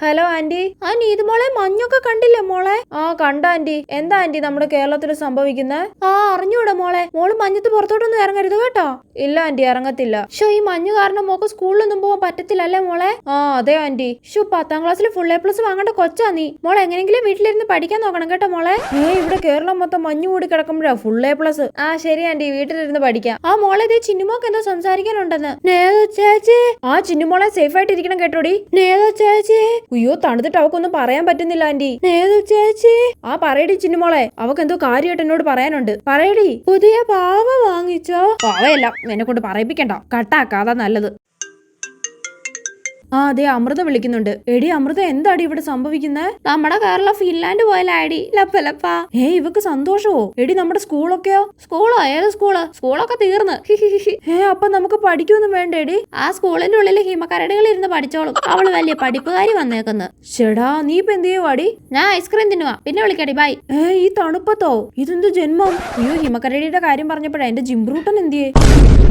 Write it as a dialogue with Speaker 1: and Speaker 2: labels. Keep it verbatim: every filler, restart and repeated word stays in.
Speaker 1: Hello aunty. ആ നീതു മോളെ മഞ്ഞൊക്കെ കണ്ടില്ലേ മോളെ? ആ കണ്ട ആന്റി. എന്താ ആന്റി നമ്മുടെ കേരളത്തിൽ സംഭവിക്കുന്നത്? ആ അറിഞ്ഞൂടെ മോളെ. മോള് മഞ്ഞത്ത് പുറത്തോട്ടൊന്നും ഇറങ്ങരുത് കേട്ടോ. ഇല്ല ആന്റി ഇറങ്ങത്തില്ല. ഷോ ഈ മഞ്ഞ് കാരണം മോക്ക് സ്കൂളിലൊന്നും പോകാൻ പറ്റത്തില്ല അല്ലേ മോളെ? ആ അതെ ആന്റി. ഷോ പത്താം ക്ലാസ്സിൽ ഫുൾ എ പ്ലസ് വാങ്ങേണ്ട കൊച്ചാ നീ. മോളെ എങ്ങനെങ്കിലും വീട്ടിലിരുന്ന് പഠിക്കാൻ നോക്കണം കേട്ടോ മോളെ. ഏ ഇവിടെ കേരളം മൊത്തം മഞ്ഞ് കൂടി കിടക്കുമ്പോഴാ ഫുൾ എ പ്ലസ്. ആ ശരി ആന്റി വീട്ടിലിരുന്ന് പഠിക്കാം. ആ മോളെ ഇതേ ചിന്നുമോക്ക് എന്തോ സംസാരിക്കാനുണ്ടെന്ന്. നേതോ ചേച്ചി. ആ ചിന്നുമോളെ സേഫ് ആയിട്ട് ഇരിക്കണം കേട്ടോടി. നേതോ ചേച്ചി. അയ്യോ തണുത്തിട്ട് അവക്കൊന്നും പറയാൻ പറ്റുന്നില്ല ആന്റി. നേതോ ചേച്ചി. ആ പറയടി ചിന്നുമോളെ. അവക്ക് എന്തോ കാര്യമായിട്ട് എന്നോട് പറയാനുണ്ട്. പറയടി. പുതിയ പാവ വാങ്ങിച്ചോ? പാവയല്ല എന്നെ കൊണ്ട് പറയിപ്പിക്കണ്ട. കട്ടാക്കാതാ നല്ലത്. ആ അതെ അമൃത വിളിക്കുന്നുണ്ട്. എടി അമൃത എന്താടി ഇവിടെ സംഭവിക്കുന്നത്? നമ്മുടെ കേരളം ഫിൻലാൻഡ് പോയാലാടി ലപ്പലപ്പാ. ഏ ഇവക്ക് സന്തോഷവോ? എടി നമ്മുടെ സ്കൂളൊക്കെയോ? സ്കൂളോ? ഏത് സ്കൂള്? സ്കൂളൊക്കെ തീർന്ന്. ഏ അപ്പൊ നമുക്ക് പഠിക്കൊന്നും വേണ്ടേടി? ആ സ്കൂളിന്റെ ഉള്ളിൽ ഹിമക്കരടികൾ ഇരുന്ന് പഠിച്ചോളും. അവള് വലിയ പഠിപ്പുകാരി വന്നേക്കുന്നു. ചേടാ നീ ഇപ്പൊ എന്ത് ചെയ്യുവാടി? ഞാൻ ഐസ്ക്രീം തിന്നുവാ. പിന്നെ വിളിക്കടി ബൈ. ഏ ഈ തണുപ്പത്തോ? ഇതെന്ത് ജന്മം? അയ്യോ ഹിമക്കരടിയുടെ കാര്യം പറഞ്ഞപ്പോഴാ എന്റെ ജിംബ്രൂട്ടൻ എന്തിയേ?